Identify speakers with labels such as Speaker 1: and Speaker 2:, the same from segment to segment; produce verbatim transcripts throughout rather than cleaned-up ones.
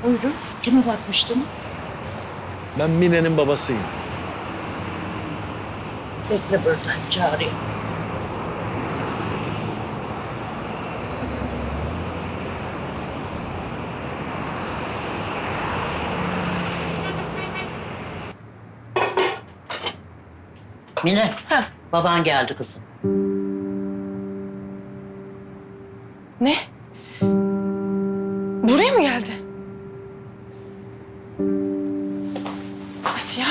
Speaker 1: Buyurun. Kime bakmıştınız?
Speaker 2: Ben Mine'nin babasıyım.
Speaker 1: Bekle burada. Çağırayım. Mine.
Speaker 3: Heh.
Speaker 1: Baban geldi kızım.
Speaker 3: Ne? Buraya mı geldi? Nasıl ya?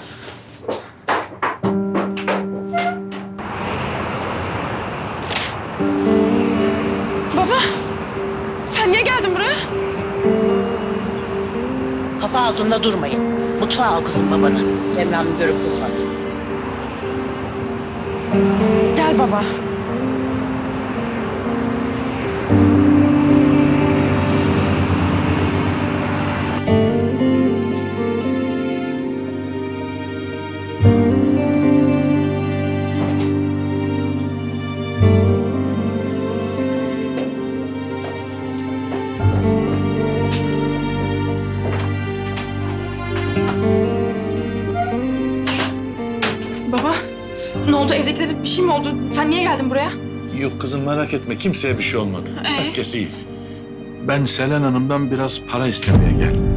Speaker 3: Baba, sen niye geldin buraya?
Speaker 1: Kapı ağzında durmayın. Mutfağa al kızım babanı. Semra'nın görüp kızmasın.
Speaker 3: Gel baba. Baba, ne oldu? Evdekilere bir şey mi oldu? Sen niye geldin buraya?
Speaker 2: Yok kızım merak etme kimseye bir şey olmadı.
Speaker 3: Ee?
Speaker 2: Herkes iyi. Ben Selen Hanım'dan biraz para istemeye geldim.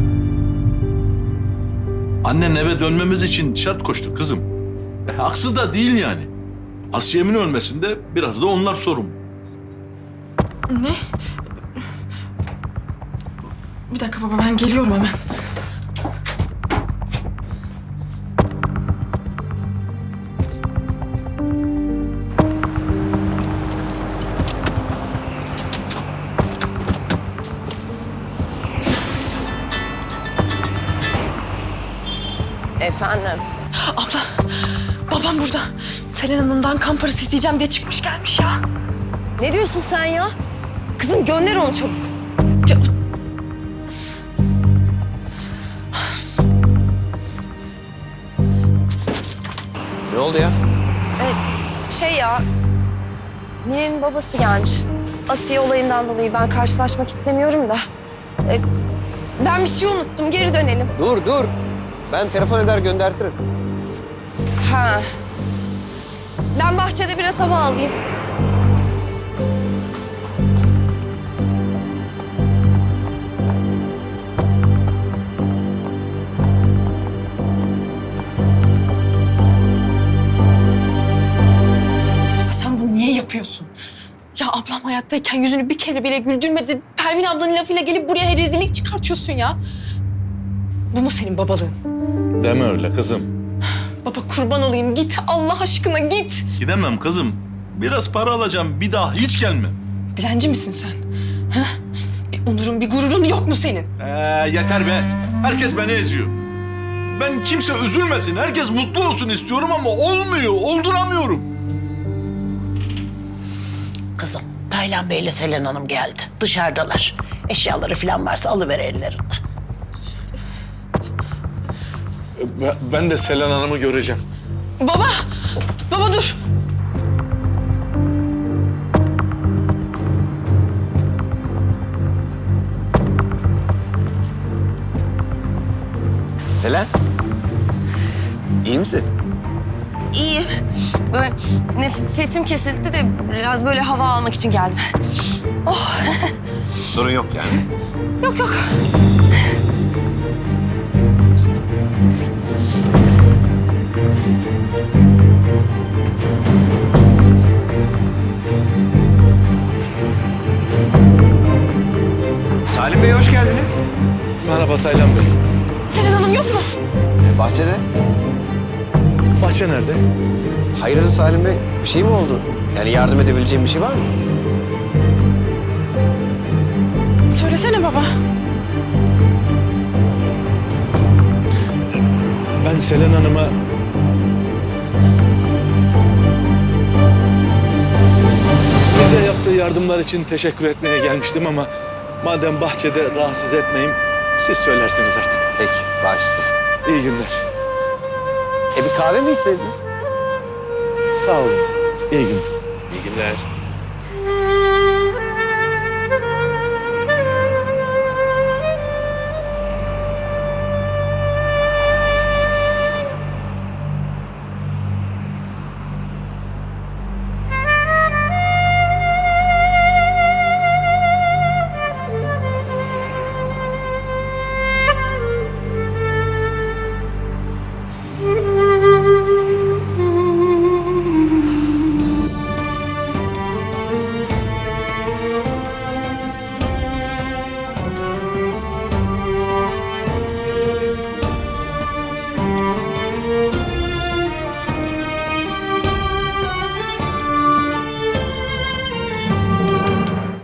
Speaker 2: Annen eve dönmemiz için şart koştu kızım. E, haksız da değil yani. Asiye'min ölmesinde biraz da onlar sorumlu.
Speaker 3: Ne? Bir dakika baba, ben geliyorum hemen.
Speaker 4: Efendim?
Speaker 3: Abla, babam burada. Selen Hanım'dan kan parası isteyeceğim diye çıkmış gelmiş ya.
Speaker 4: Ne diyorsun sen ya? Kızım gönder onu çabuk.
Speaker 3: Ya,
Speaker 5: Ne oldu ya?
Speaker 4: Şey ya, Mine'nin babası gelmiş. Asiye olayından dolayı ben karşılaşmak istemiyorum da. E, ben bir şey unuttum, geri dönelim.
Speaker 5: Dur dur. Ben telefon eder göndertirim.
Speaker 4: Ha. Ben bahçede biraz hava alayım.
Speaker 3: sen bunu niye yapıyorsun? Ya ablam hayattayken yüzünü bir kere bile güldürmedi. Pervin ablanın lafıyla gelip buraya rezillik çıkartıyorsun ya. Bu mu senin babalığın?
Speaker 2: Deme öyle kızım.
Speaker 3: Baba kurban olayım, git Allah aşkına git.
Speaker 2: Gidemem kızım. Biraz para alacağım bir daha hiç gelmem.
Speaker 3: Dilenci misin sen? Ha? Bir onurun, bir gururun yok mu senin?
Speaker 2: Ee, yeter be. Herkes beni eziyor. Ben kimse üzülmesin, herkes mutlu olsun istiyorum ama olmuyor, olduramıyorum.
Speaker 1: Kızım, Taylan Bey ile Selen Hanım geldi. Dışarıdalar. Eşyaları falan varsa alıver ellerinden.
Speaker 2: Ben de Selen Hanım'ı göreceğim.
Speaker 3: Baba, baba dur.
Speaker 5: Selen. İyi misin?
Speaker 4: İyi. Böyle nefesim kesildi de biraz böyle hava almak için geldim. Oh.
Speaker 5: Sorun yok yani.
Speaker 4: Yok yok.
Speaker 5: Salim Bey hoş geldiniz.
Speaker 2: Merhaba Taylan Bey.
Speaker 3: Selen Hanım yok mu?
Speaker 5: E, bahçede.
Speaker 2: Bahçe nerede?
Speaker 5: Hayırdır Salim Bey? Bir şey mi oldu? Yani yardım edebileceğim bir şey var mı?
Speaker 3: Söylesene baba.
Speaker 2: Ben Selen Hanım'a... bize yaptığı yardımlar için teşekkür etmeye gelmiştim ama... madem bahçede rahatsız etmeyeyim, siz söylersiniz artık.
Speaker 5: Peki, baş üstüne.
Speaker 2: İyi günler.
Speaker 5: E bir kahve mi istediniz?
Speaker 2: Sağ olun. İyi günler.
Speaker 5: İyi günler.